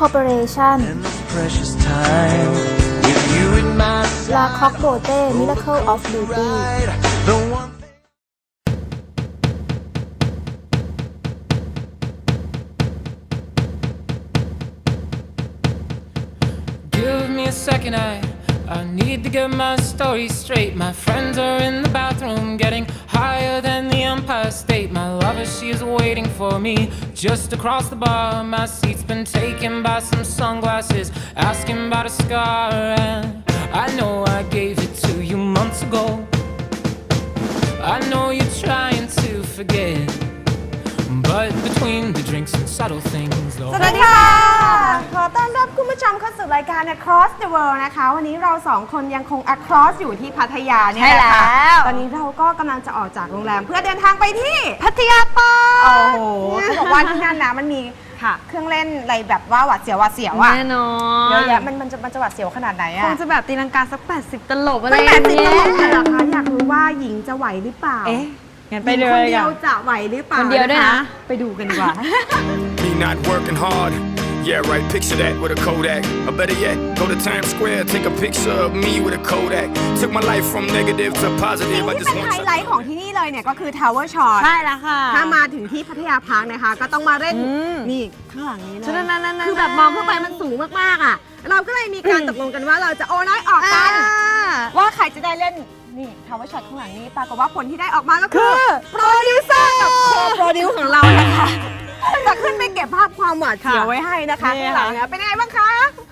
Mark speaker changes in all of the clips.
Speaker 1: Corporation La Coque Beauté Miracle of Beauty
Speaker 2: Give me a second, I need to get my story straight. My friends are in the bathroom getting higher than the Empire State. My lover, she is waiting for me just across the bar. My seat's been taken by some sunglasses asking about a scar. And I know I gave it to you months ago. I know you're trying to forget, but between the drinks and subtle things, though.
Speaker 3: สวัสดีค่ะขอต้อนรับคุณผู้ชมเข้าสู่รายการ Across the World นะคะวันนี้เราสองคนยังคง Across อยู่ที่พัทยาเนี่ยแหละค่ะตอนนี้เราก็กำลังจะออกจากโรงแรมเพื่อเดินทางไปที่พัทยาปาร์คโอ้โหเขาบอกว่าที่นั่นนะมันมีเครื่องเล่นอะไรแบบว่าหวาดเสียวอ่ะแน่นอนเยอะแยะมันจะหวาดเสียวขนาดไหนอะ
Speaker 4: คงจะแบบตีลังกาสัก80ตลบอะไร
Speaker 3: 80ตลบเหรอคะอยากรู้ว่าหญิงจะไหวหรือเปล่า
Speaker 4: งั้นไปเลย
Speaker 3: คนเดียวจะไหวหรือเปล่า
Speaker 4: คนเดียวด้วยนะ
Speaker 3: ไปดูกันดีกว่า
Speaker 5: Me not working hard. Yeah, right, picture that with a Kodak. Or better yet, go to Times Square, take a picture of me with a Kodak. Took my life from negative to positive.
Speaker 3: ที่เป็นไฮไลท์ของที่นี่เลยเนี่ยก็คือ Tower Shot
Speaker 4: ใช่แล้วค่ะ
Speaker 3: ถ้ามาถึงที่พัทยาพาร์คนะคะก็ต้องมาเล่นนี่ข้างหลังนี้เลย
Speaker 4: คื
Speaker 3: อแบบมองเข้าไปมันสูงมากๆอ่ะเราก็เลยมีการตกลงกันว่าเราจะโอน้อยออกกันว่าใครจะได้เล่นนี่ Tower Shot ข้างหลังนี้ปรากฏว่าผลที่ได้ออกมาก็คือโปรดิวเซอร์กับโคโปรดิวของเรานะคะจะขึ้นไปเก็บภาพความหวาดเสียวไว้ให้นะคะข้างหลังนะเป็นไงบ้างคะ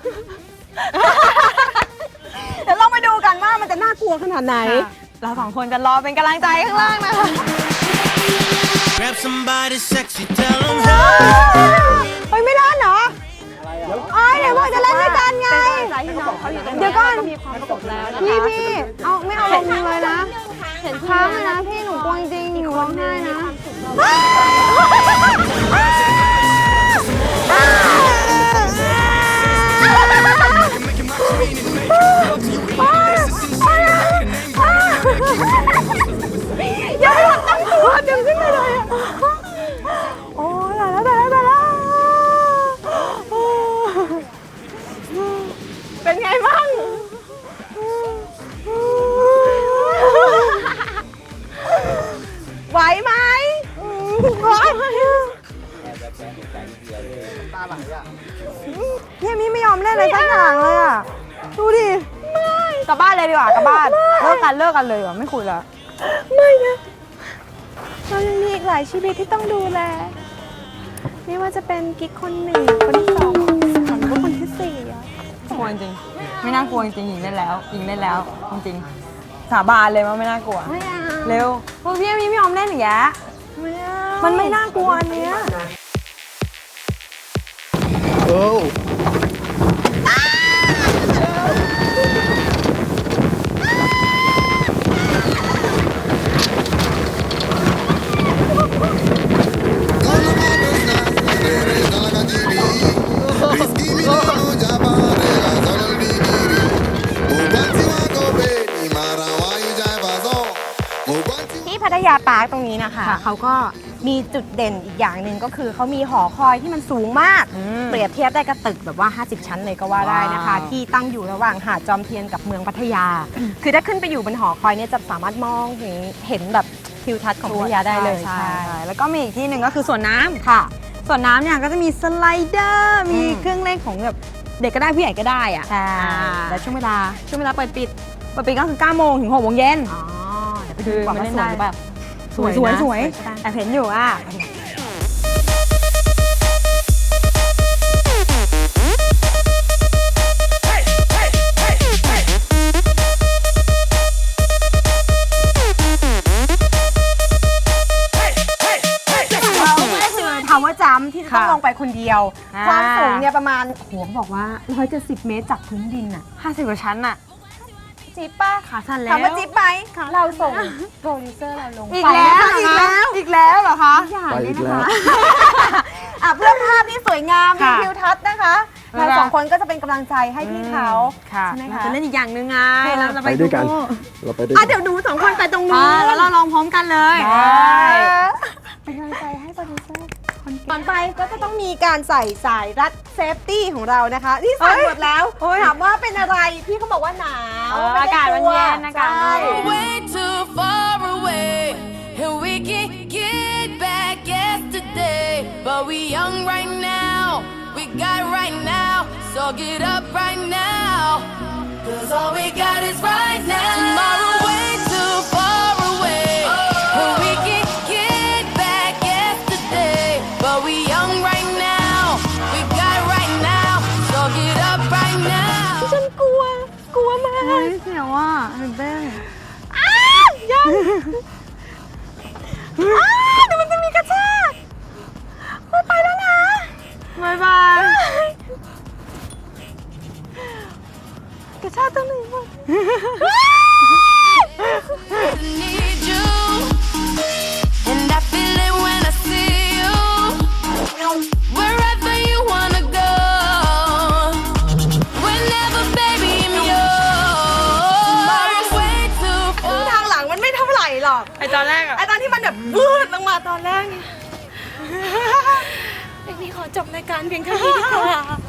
Speaker 3: เดี๋ยวลองมาดูกันว่ามันจะน่ากลัวขนาดไหน
Speaker 4: เราสองคนจะรอเป็นกำลังใจข้างล่างนะคะ
Speaker 6: Grab somebody sexy, tell them
Speaker 3: เฮ้ยไม่เล่นเหรอเดี๋ยวบอกจะเล่นด้วยกันไงเดี๋ยวก่อนพี่เอาไม่เอาลงเลยนะเห็นค้างเลยนะพี่หนูกลัวจริงหนูร้องไห้นะอย่าให้เราตั้งตัวดึงขึ้นไปเลยโอ้ยตายแล้วเป็นไงบ้างไหวไหมพี่มี่ไม่ยอมเล่นอะไรสักอย่างเลยอ่ะดูดิกลับบ้านเลยดีกว่ากลับบ้านเลิกกันเลยดีกว่าไม่คุยแล้วไม่นะเรายังมีอีกหลายชีวิตที่ต้องดูแลไม่ว่าจะเป็นกิ๊กคนหนึ่งคนที่สองหรือว่าคนที่สี่อะ
Speaker 4: กลัวจริงไม่น่ากลัวจริงหญิงเล่นแล้วจริงสาบานเลยว่าไม่น่ากลัวเร็วพวกพี่ไม่ยอมเล่นอย่างเงี้ยมันไม่น่ากลัวอันเนี้ย
Speaker 3: พัทยาปาร์คตรงนี้นะคะเขาก็มีจุดเด่นอีกอย่างหนึ่งก็คือเขามีหอคอยที่มันสูงมากเปรียบเทียบได้กับตึกแบบว่า50ชั้นเลยก็ว่าได้นะคะที่ตั้งอยู่ระหว่างหาดจอมเทียนกับเมืองพัทยาคือถ้าขึ้นไปอยู่บนหอคอยเนี่ยจะสามารถมองเห็นแบบทิวทัศน์ของพัทยาได้เลย
Speaker 4: ใช่แล้วก็มีอีกที่หนึ่งก็คือสวนน้ำ
Speaker 3: ค่ะ
Speaker 4: สวนน้ำเนี่ยก็จะมีสไลเดอร์มีเครื่องเล่นของแบบเด็กก็ได้ผู้ใหญ่ก็ได้อ่ะ
Speaker 3: ใช่
Speaker 4: แต่ช่วงเวลาเปิดปิดก็คือ9 โมงถึง6 โมงเย็น
Speaker 3: เดี๋ยวไปดูก่อนว่าสวยแบบ
Speaker 4: สวยแอบเห็นอยู่อ่ะ
Speaker 3: ว่าจำที่ต้องลงไปคนเดียวความสูงเนี่ยประมาณหัวบอกว่า170 เมตรจากพื้นดินอ่ะ
Speaker 4: 50 กว่าชั้นอ่ะ
Speaker 3: จิ๊บป้า
Speaker 4: ขาสั่นแล้ว
Speaker 3: ถามว่าจิ๊บไหมเราส่งโปรดิวเซอร์เราลง
Speaker 4: อีกแล้วเหรอคะ
Speaker 3: ไปอีกแล้วเพื่อภาพที่สวยงามมีทิวทัศน์นะคะเราสองคนก็จะเป็นกำลังใจให้พี่เขา
Speaker 4: ใช่ไหมคะจะเล่นอีกอย่างหนึ่งไงเรา
Speaker 7: ไปด้วยกัน
Speaker 3: เดี๋ยวดู2 คนไปตรงนู้น
Speaker 4: แล้วเราลองพร้อมกันเลย
Speaker 3: เป็นกำลังใจให้โปรดิวเซอร์ก่อนไปก็จะต้องมีการใส่สายรัดเซฟตี้ของเรานะคะนี่ใส่หมดแล้วถามว่าเป็นอะไรพี่เขาบอกว่าหนาว
Speaker 4: อากาศมันเย็นอากาศมันเย็น
Speaker 7: Way too far away, and we can get back yesterday. But we young right now, we got right now, so get up right now. Cause all we got is right now. Tomorrow way too far away, and we can get back yesterday. But we young right now, we got right now, so get up right now.
Speaker 3: ฉันกลัวมาก
Speaker 4: เฮ้ยเสียวอ่ะตื่นเต้น
Speaker 3: ยังเดี๋ยวมันจะมีกระชากไปแล้วนะ
Speaker 4: บายบาย
Speaker 3: กระชากตัวหนึ่ง
Speaker 7: Need you, and I feel it when I see you. Wherever you wanna go, whenever, baby, I'm yours. Way too
Speaker 3: ทางหลังมันไม่เท่าไหร่หรอก
Speaker 4: ไอตอนแรกอะ
Speaker 3: ไอตอนที่มันแบบวืดลงมาตอนแรกเนี่ยเอ็กนี่ขอจบรายการเพียงแค่นี้ดีกว่า